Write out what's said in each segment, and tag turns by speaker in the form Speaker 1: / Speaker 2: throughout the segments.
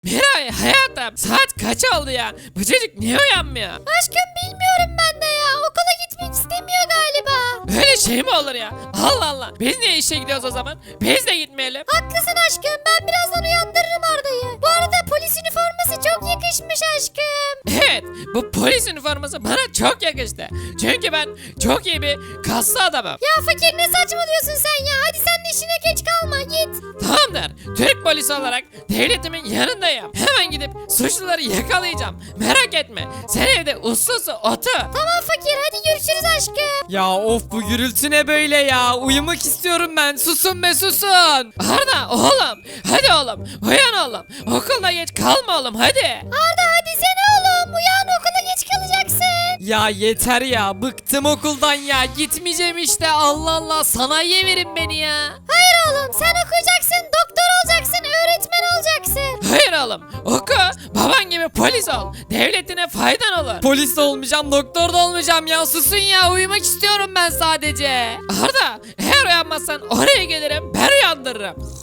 Speaker 1: Miray hayatım saat kaç oldu ya? Bu çocuk niye uyanmıyor?
Speaker 2: Aşkım bilmiyorum ben de ya. Okula gitmek istemiyor galiba.
Speaker 1: Böyle şey mi olur ya? Allah Allah. Biz niye işe gidiyoruz o zaman? Biz de gitmeyelim.
Speaker 2: Haklısın aşkım. Ben birazdan uyandırırım Arda'yı. Bu arada polis üniforması çok yakışmış aşkım.
Speaker 1: Evet, bu polis üniforması bana çok yakıştı. Çünkü ben çok iyi bir kaslı adamım.
Speaker 2: Ya fakir ne saçmalıyorsun sen ya? Hadi sen de işine geç kalma git.
Speaker 1: Tamamdır. Türk polisi olarak devletimin yanındayım. Hemen gidip suçluları yakalayacağım. Merak etme. Sen evde uslu uslu otur.
Speaker 2: Tamam fakir hadi görüşürüz aşkım.
Speaker 3: Ya of bu gürültü ne böyle ya? Uyumak istiyorum ben. Susun be susun.
Speaker 1: Arda oğlum. Hadi oğlum. Uyan oğlum. Okulda geç kalma oğlum hadi.
Speaker 2: Arda hadi sen oğlum. Uyan okula geç kalacaksın.
Speaker 3: Ya yeter ya. Bıktım okuldan ya. Gitmeyeceğim işte. Allah Allah. Sanayiye verin beni ya.
Speaker 2: Hayır oğlum sen okuyacaksın. Doktor olacaksın. Öğretmen olacaksın.
Speaker 1: Hayır oğlum. Oku. Baban gibi polis ol. Devletine faydan olur.
Speaker 3: Polis de olmayacağım. Doktor da olmayacağım ya. Susun ya. Uyumak istiyorum ben sadece.
Speaker 1: Arda eğer uyanmazsan oraya gelirim ben uyandırırım.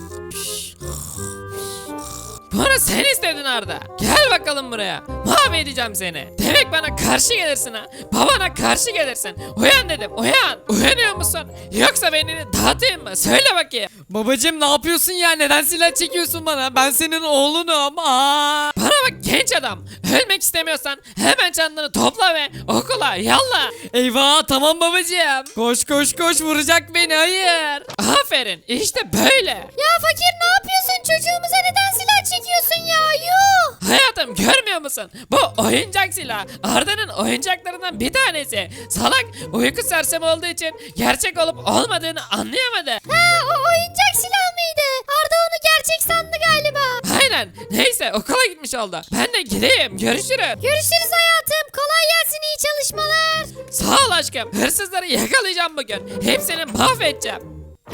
Speaker 1: Bunu sen istedin Arda. Gel bakalım buraya. Mahvedeceğim seni. Demek bana karşı gelirsin ha. Babana karşı gelirsin. Uyan dedim uyan. Uyanıyor musun? Yoksa beynini dağıtayım mı? Söyle bakayım.
Speaker 3: Babacım ne yapıyorsun ya? Neden silah çekiyorsun bana? Ben senin oğlunum. Aa!
Speaker 1: Bana bak genç adam. Ölmek istemiyorsan hemen çantanı topla ve okula yallah.
Speaker 3: Eyvah tamam babacım. Koş koş koş vuracak beni. Hayır.
Speaker 1: Aferin işte böyle.
Speaker 2: Ya fakir ne yapıyorsun? Çocuğumuza neden silah çekiyorsun ya? Yuh.
Speaker 1: Hayatım görmüyor musun? Bu oyuncak silah. Arda'nın oyuncaklarından bir tanesi. Salak uyku sersemi olduğu için gerçek olup olmadığını anlayamadı.
Speaker 2: Ha o oyuncak silah mıydı? Arda onu gerçek sandı galiba.
Speaker 1: Aynen. Neyse okula gitmiş oldu. Ben de gideyim. Görüşürüz.
Speaker 2: Görüşürüz hayatım. Kolay gelsin iyi çalışmalar.
Speaker 1: Sağ ol aşkım. Hırsızları yakalayacağım bugün. Hepsini mahvedeceğim.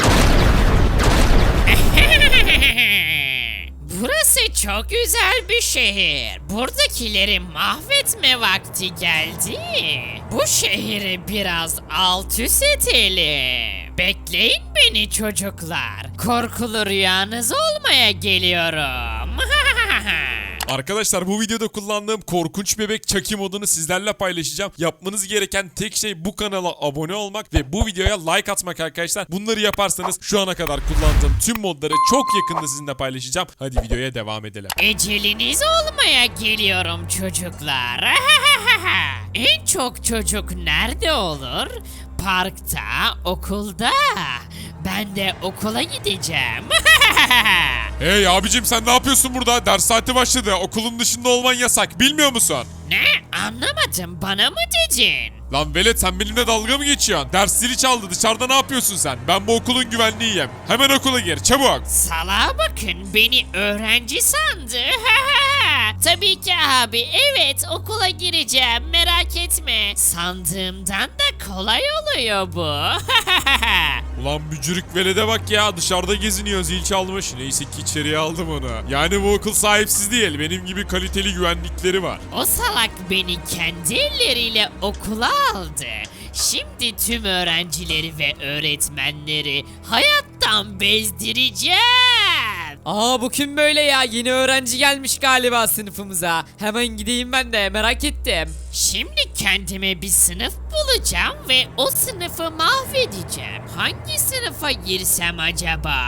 Speaker 4: Burası çok güzel bir şehir. Buradakileri mahvetme vakti geldi. Bu şehri biraz alt üst edelim. Bekleyin beni çocuklar. Korkulu rüyanız olmaya geliyorum.
Speaker 5: Arkadaşlar bu videoda kullandığım korkunç bebek Chucky modunu sizlerle paylaşacağım. Yapmanız gereken tek şey bu kanala abone olmak ve bu videoya like atmak arkadaşlar. Bunları yaparsanız şu ana kadar kullandığım tüm modları çok yakında sizinle paylaşacağım. Hadi videoya devam edelim.
Speaker 4: Eceliniz olmaya geliyorum çocuklar. En çok çocuk nerede olur? Parkta, okulda. Ben de okula gideceğim.
Speaker 5: Hey abicim sen ne yapıyorsun burada? Ders saati başladı. Okulun dışında olman yasak. Bilmiyor musun?
Speaker 4: Ne? Anlamadım. Bana mı dedin?
Speaker 5: Lan velet sen benimle dalga mı geçiyorsun? Ders zili çaldı. Dışarıda ne yapıyorsun sen? Ben bu okulun güvenliğiyim. Hemen okula gir çabuk.
Speaker 4: Salağa bakın beni öğrenci sandı. Tabii ki abi evet okula gireceğim merak etme. Sandığımdan da kolay oluyor bu.
Speaker 5: Ulan bücürük velede bak ya dışarıda geziniyor zil çalmış. Neyse ki içeriye aldım onu. Yani bu okul sahipsiz değil benim gibi kaliteli güvenlikleri var.
Speaker 4: O salak beni kendi elleriyle okula aldı. Şimdi tüm öğrencileri ve öğretmenleri hayattan bezdireceğim.
Speaker 3: Aa bu kim böyle ya? Yeni öğrenci gelmiş galiba sınıfımıza. Hemen gideyim ben de merak ettim.
Speaker 4: Şimdi kendime bir sınıf bulacağım ve o sınıfı mahvedeceğim. Hangi sınıfa girsem acaba?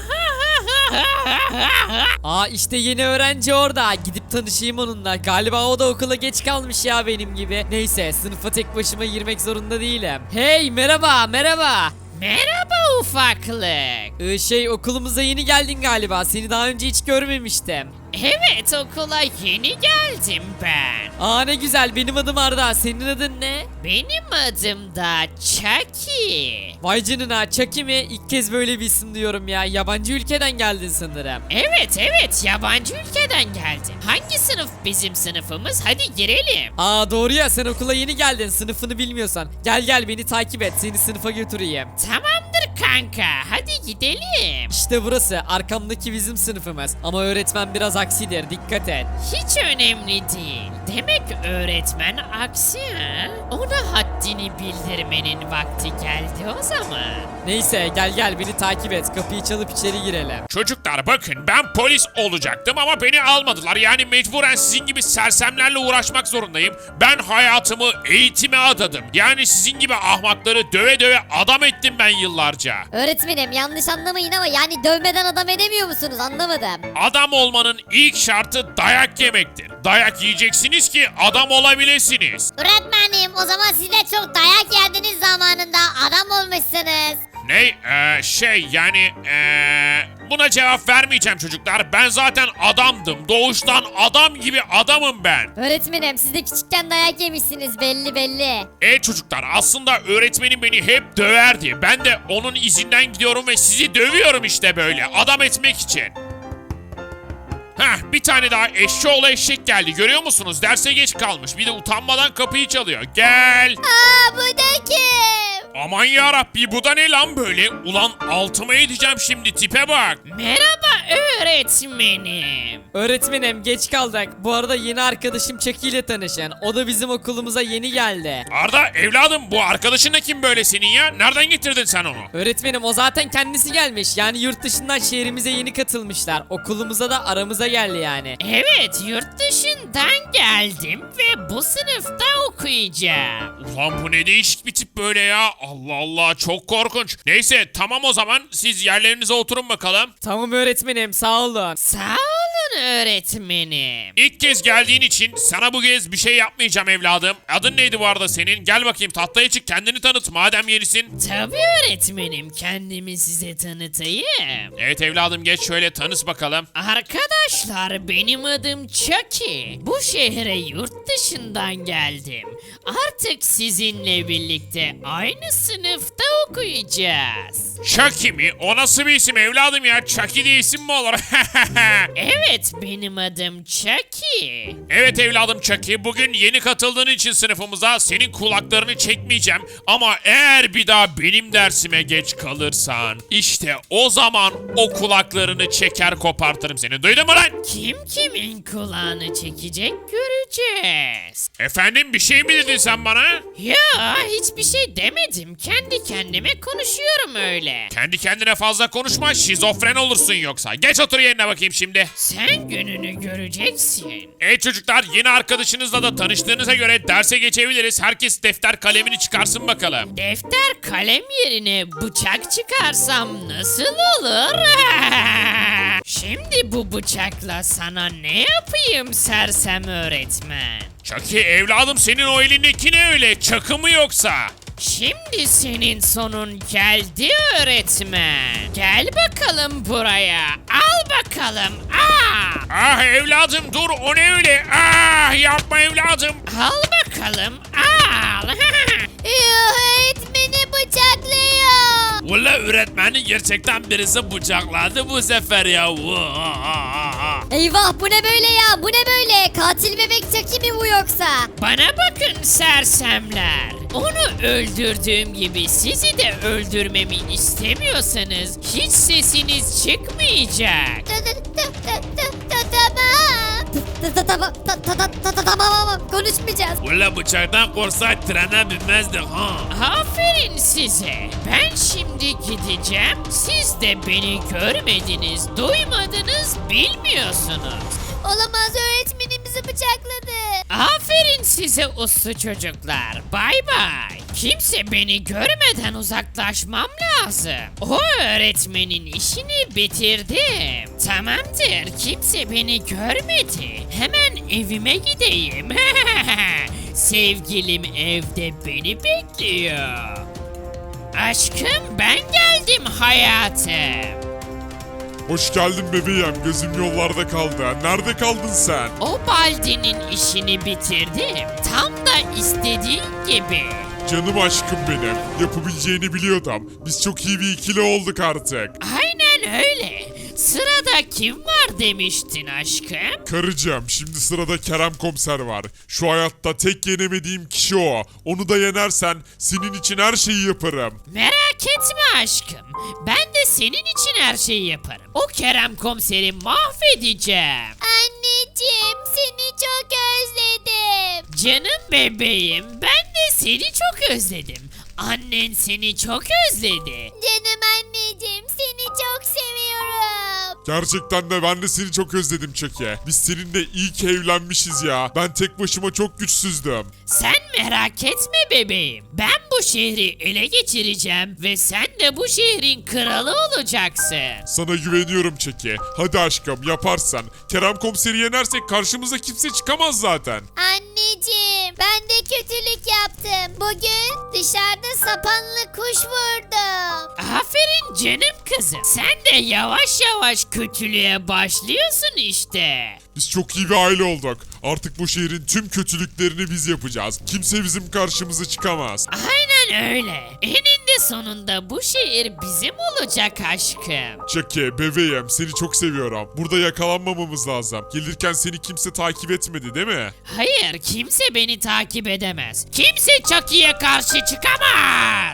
Speaker 3: Aa işte yeni öğrenci orada. Gidip tanışayım onunla. Galiba o da okula geç kalmış ya benim gibi. Neyse sınıfa tek başıma girmek zorunda değilim. Hey merhaba merhaba.
Speaker 4: Merhaba ufaklık.
Speaker 3: Okulumuza yeni geldin galiba. Seni daha önce hiç görmemiştim.
Speaker 4: Evet okula yeni geldim ben.
Speaker 3: Aa ne güzel benim adım Arda. Senin adın ne?
Speaker 4: Benim adım da Chucky.
Speaker 3: Vay canına Chucky mi? İlk kez böyle bir isim duyuyorum ya. Yabancı ülkeden geldin sanırım.
Speaker 4: Evet yabancı ülkeden geldim. Hangi sınıf bizim sınıfımız? Hadi girelim.
Speaker 3: Aa doğru ya sen okula yeni geldin. Sınıfını bilmiyorsan. Gel beni takip et. Seni sınıfa götüreyim.
Speaker 4: Tamamdır kanka hadi gidelim.
Speaker 3: İşte burası. Arkamdaki bizim sınıfımız. Ama öğretmen biraz aksidir. Dikkat et.
Speaker 4: Hiç önemli değil. Demek öğretmen aksi ha? Ona haddini bildirmenin vakti geldi o zaman.
Speaker 3: Neyse gel beni takip et. Kapıyı çalıp içeri girelim.
Speaker 5: Çocuklar bakın ben polis olacaktım ama beni almadılar. Yani mecburen sizin gibi sersemlerle uğraşmak zorundayım. Ben hayatımı eğitime adadım. Yani sizin gibi ahmakları döve döve adam ettim ben yıllarca.
Speaker 2: Öğretmenim yanlış anlamayın ama yani dövmeden adam edemiyor musunuz anlamadım.
Speaker 5: Adam olmanın ilk şartı dayak yemektir. Dayak yiyeceksiniz ki adam olabilirsiniz.
Speaker 2: Öğretmenim o zaman siz de çok dayak yerdiniz zamanında adam olmuşsunuz.
Speaker 5: Ne? Buna cevap vermeyeceğim çocuklar. Ben zaten adamdım. Doğuştan adam gibi adamım ben.
Speaker 2: Öğretmenim siz de küçükken dayak yemişsiniz belli.
Speaker 5: Çocuklar aslında öğretmenim beni hep döverdi. Ben de onun izinden gidiyorum ve sizi dövüyorum işte böyle adam etmek için. Bir tane daha eşşoğlu eşek geldi görüyor musunuz? Derse geç kalmış. Bir de utanmadan kapıyı çalıyor. Gel.
Speaker 2: Aa bu da kim?
Speaker 5: Aman yarabbi bu da ne lan böyle? Ulan altıma edeceğim şimdi tipe bak.
Speaker 4: Merhaba öğretmenim.
Speaker 3: Öğretmenim geç kaldık. Bu arada yeni arkadaşım Chucky ile tanışın. O da bizim okulumuza yeni geldi.
Speaker 5: Arda evladım bu arkadaşın da kim böyle senin ya? Nereden getirdin sen onu?
Speaker 3: Öğretmenim o zaten kendisi gelmiş. Yani yurt dışından şehrimize yeni katılmışlar. Okulumuza da aramıza geldi yani.
Speaker 4: Evet yurt dışından geldim ve bu sınıfta okuyacağım.
Speaker 5: Ulan bu ne değişik bir tip böyle ya. Allah Allah çok korkunç. Neyse tamam o zaman siz yerlerinize oturun bakalım.
Speaker 3: Tamam öğretmenim sağ olun.
Speaker 4: Sağ olun öğretmenim.
Speaker 5: İlk kez geldiğin için sana bu kez bir şey yapmayacağım evladım. Adın neydi bu arada senin? Gel bakayım tahtaya çık kendini tanıt madem yenisin.
Speaker 4: Tabii öğretmenim kendimi size tanıtayım.
Speaker 5: Evet evladım geç şöyle tanış bakalım.
Speaker 4: Arkadaşlar benim adım Chucky. Bu şehre yurt dışından geldim. Artık sizinle birlikte aynı sınıfta okuyacağız.
Speaker 5: Chucky mi? O nasıl bir isim evladım ya? Chucky diye isim mi olur?
Speaker 4: Evet benim adım Chucky.
Speaker 5: Evet evladım Chucky bugün yeni katıldığın için sınıfımıza senin kulaklarını çekmeyeceğim. Ama eğer bir daha benim dersime geç kalırsan işte o zaman o kulaklarını çeker kopartırım seni. Duydun mu lan?
Speaker 4: Kim kimin kulağını çekecek göreceğiz.
Speaker 5: Efendim bir şey mi dedin sen bana?
Speaker 4: Ya hiçbir şey demedim. Kendi kendime konuşuyorum öyle.
Speaker 5: Kendi kendine fazla konuşma şizofren olursun yoksa. Geç otur yerine bakayım şimdi.
Speaker 4: Sen gününü göreceksin.
Speaker 5: Çocuklar yeni arkadaşınızla da tanıştığınıza göre derse geçebiliriz. Herkes defter kalemini çıkarsın bakalım.
Speaker 4: Defter kalem yerine bıçak çıkarsam nasıl olur? Şimdi bu bıçakla sana ne yapayım sersem öğretmen?
Speaker 5: Chucky evladım senin o elindeki ne öyle? Çakı mı yoksa?
Speaker 4: Şimdi senin sonun geldi öğretmen. Gel bakalım buraya. Al bakalım.
Speaker 5: Ah evladım dur o ne öyle? Ah yapma evladım.
Speaker 4: Al bakalım. Al.
Speaker 2: Öğretmeni bıçaklıyor.
Speaker 5: Valla öğretmeni gerçekten birisi bıçakladı bu sefer ya.
Speaker 2: Eyvah bu ne böyle ya bu ne böyle katil bebek Chucky mi bu yoksa?
Speaker 4: Bana bakın sersemler. Onu öldürdüğüm gibi sizi de öldürmemi istemiyorsanız hiç sesiniz çıkmayacak.
Speaker 2: Tamam konuşmayacağız.
Speaker 5: Valla bıçaktan korsak trene binmezdik ha.
Speaker 4: Aferin size. Ben şimdi gideceğim. Siz de beni görmediniz, duymadınız, bilmiyorsunuz.
Speaker 2: Olamaz öğretmenimizi bıçakladı.
Speaker 4: Aferin size uslu çocuklar. Bay bay. Kimse beni görmeden uzaklaşmam lazım. O öğretmenin işini bitirdim. Tamamdır. Kimse beni görmedi. Hemen evime gideyim. Sevgilim evde beni bekliyor. Aşkım ben geldim hayatım.
Speaker 5: Hoş geldin bebeğim gözüm yollarda kaldı. Nerede kaldın sen?
Speaker 4: O Baldi'nin işini bitirdim. Tam da istediğin gibi.
Speaker 5: Canım aşkım benim. Yapabileceğini biliyordum. Biz çok iyi bir ikili olduk artık.
Speaker 4: Aynen öyle. Sırada kim var demiştin aşkım?
Speaker 5: Karıcığım şimdi sırada Kerem Komiser var. Şu hayatta tek yenemediğim kişi o. Onu da yenersen senin için her şeyi yaparım.
Speaker 4: Merak etme aşkım. Ben de senin için her şeyi yaparım. O Kerem komiseri mahvedeceğim.
Speaker 2: Anneciğim seni çok özledim.
Speaker 4: Canım bebeğim, ben de seni çok özledim. Annen seni çok özledi.
Speaker 2: Canım anneciğim seni çok seviyorum.
Speaker 5: Gerçekten de ben de seni çok özledim Chucky. Biz seninle iyi ki evlenmişiz ya. Ben tek başıma çok güçsüzdüm.
Speaker 4: Sen merak etme bebeğim. Ben bu şehri ele geçireceğim ve sen de bu şehrin kralı olacaksın.
Speaker 5: Sana güveniyorum Chucky. Hadi aşkım yaparsan. Kerem komiseri yenersek karşımıza kimse çıkamaz zaten.
Speaker 2: Anneciğim ben de kötülük yaptım. Bugün dışarıda sapanlı kuş vurdum.
Speaker 4: Aferin canım kızım. Sen de yavaş yavaş kötülüğe başlıyorsun işte.
Speaker 5: Biz çok iyi bir aile olduk. Artık bu şehrin tüm kötülüklerini biz yapacağız. Kimse bizim karşımıza çıkamaz.
Speaker 4: Aynen öyle. Eninde sonunda bu şehir bizim olacak aşkım.
Speaker 5: Chucky bebeğim seni çok seviyorum. Burada yakalanmamamız lazım. Gelirken seni kimse takip etmedi değil mi?
Speaker 4: Hayır, kimse beni takip edemez. Kimse Chucky'ye karşı çıkamaz.